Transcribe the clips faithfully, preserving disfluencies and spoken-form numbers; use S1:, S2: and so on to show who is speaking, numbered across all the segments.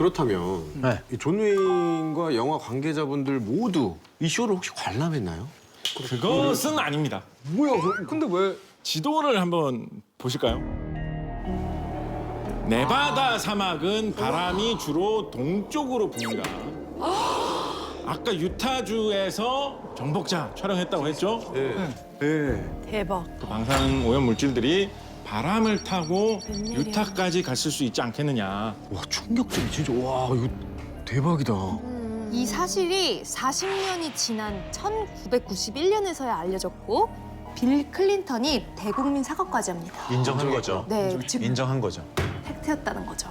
S1: 그렇다면
S2: 네.
S1: 이 존 웨인과 영화 관계자분들 모두 이 쇼를 혹시 관람했나요?
S3: 그것은 아닙니다.
S4: 뭐야? 근데 왜?
S3: 지도를 한번 보실까요? 네바다 사막은 바람이 주로 동쪽으로 붑니다. 아까 유타주에서 정복자 촬영했다고 했죠?
S1: 네.
S5: 대박.
S3: 그 방사능 오염 물질들이 바람을 타고
S5: 웬일이야.
S3: 유타까지 갔을 수 있지 않겠느냐.
S1: 와 충격적이 진짜 와 이거 대박이다.
S6: 이 사실이 사십 년이 지난 천구백구십일 년에서야 알려졌고 빌 클린턴이 대국민 사과까지 합니다.
S2: 인정한 거죠.
S6: 네, 즉
S2: 인정한 거죠.
S6: 팩트였다는 거죠.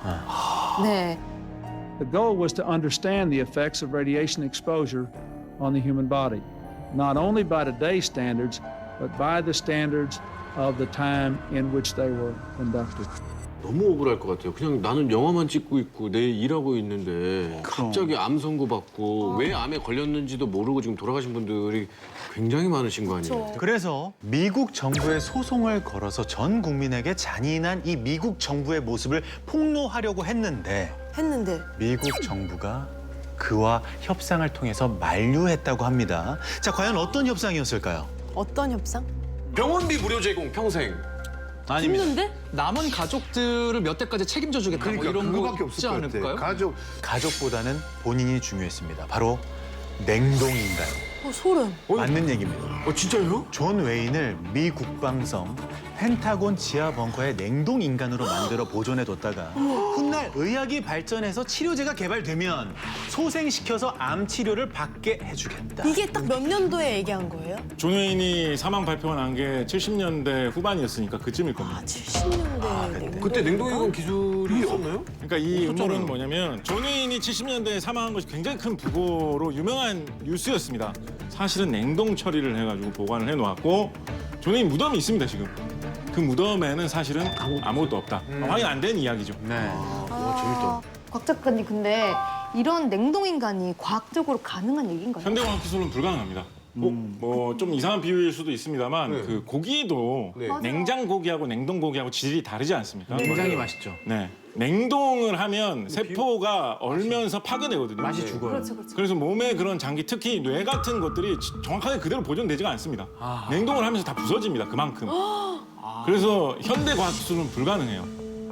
S6: 네.
S7: The goal was to understand the effects of radiation exposure on the human body, not only by today's standards, but by the standards of the time in which they were conducted.
S1: 너무 억울할 것 같아요. 그냥 나는 영화만 찍고 있고 내 일하고 있는데 갑자기 암 선고 받고 왜 암에 걸렸는지도 모르고 지금 돌아가신 분들이 굉장히 많으신 거 아니에요?
S2: 그래서 미국 정부에 소송을 걸어서 전 국민에게 잔인한 이 미국 정부의 모습을 폭로하려고 했는데
S5: 했는데
S2: 미국 정부가 그와 협상을 통해서 만류했다고 합니다. 자, 과연 어떤 협상이었을까요?
S5: 어떤 협상?
S1: 병원비 무료 제공 평생.
S2: 아닙니다.
S5: 힘든데?
S4: 남은 가족들을 몇 대까지 책임져 주겠다. 뭐
S8: 그러니까
S4: 이런
S8: 그거밖에
S4: 거
S8: 없을
S4: 있지
S8: 것 같아.
S4: 않을까요?
S8: 가족
S2: 가족보다는 본인이 중요했습니다. 바로 냉동인간.
S5: 어, 소름.
S2: 맞는 얘기입니다.
S1: 어 진짜요?
S2: 존 웨인을 미 국방성 펜타곤 지하 벙커에 냉동 인간으로 만들어 보존해 뒀다가 훗날 의학이 발전해서 치료제가 개발되면 소생시켜서 암 치료를 받게 해주겠다.
S5: 이게 딱 몇 년도에 얘기한 거예요?
S3: 존 웨인이 사망 발표가 난 게 칠십 년대 후반이었으니까 그쯤일 겁니다.
S5: 아, 칠십 년대 냉동.
S1: 그때 냉동인간 기술이 있었나요?
S3: 그러니까 이 음모론은 뭐냐면 존 웨인이 칠십 년대에 사망한 것이 굉장히 큰 부고로 유명한 뉴스였습니다. 사실은 냉동 처리를 해가지고 보관을 해놓았고 존 웨인 무덤이 있습니다 지금. 그 무덤에는 사실은 아무것도 없다. 확인 안 된 이야기죠.
S2: 네.
S1: 와 재밌다.
S6: 곽 작가님 근데 이런 냉동 인간이 과학적으로 가능한 얘기인가요?
S3: 현대과학 기술은 불가능합니다. 뭐 좀 이상한 비유일 수도 있습니다만
S1: 네.
S3: 그 고기도
S1: 네.
S3: 냉장 고기하고 냉동 고기하고 질이 다르지 않습니까?
S4: 굉장히 맛있죠.
S3: 네. 냉동을 하면 세포가 얼면서 파괴되거든요.
S4: 맛이 죽어요.
S6: 그렇죠, 그렇죠.
S3: 그래서 몸의 그런 장기, 특히 뇌 같은 것들이 지- 정확하게 그대로 보존되지가 않습니다. 냉동을 하면서 다 부서집니다, 그만큼. 그래서 현대 과학 기술은 불가능해요.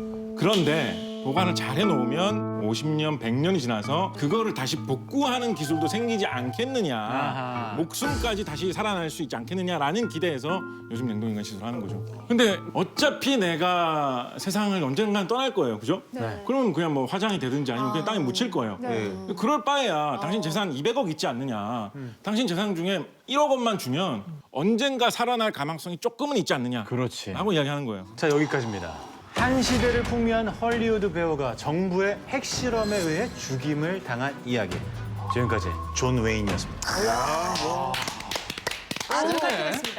S3: 그런데 보관을 잘 해놓으면 오십 년, 백 년이 지나서 그거를 다시 복구하는 기술도 생기지 않겠느냐.
S4: 아하.
S3: 목숨까지 다시 살아날 수 있지 않겠느냐라는 기대에서 요즘 냉동인간 시술을 하는 거죠. 근데 어차피 내가 세상을 언젠간 떠날 거예요, 그죠?
S6: 네.
S3: 그러면 그냥 뭐 화장이 되든지 아니면 그냥 땅에 묻힐 거예요.
S6: 네.
S3: 그럴 바에야 당신 재산 이백억 있지 않느냐. 당신 재산 중에 일억 원만 주면 언젠가 살아날 가망성이 조금은 있지 않느냐.
S2: 그렇지.
S3: 라고 이야기하는 거예요.
S2: 자, 여기까지입니다. 한 시대를 풍미한 헐리우드 배우가 정부의 핵실험에 의해 죽임을 당한 이야기. 지금까지 존 웨인이었습니다.
S5: 아,
S4: 네.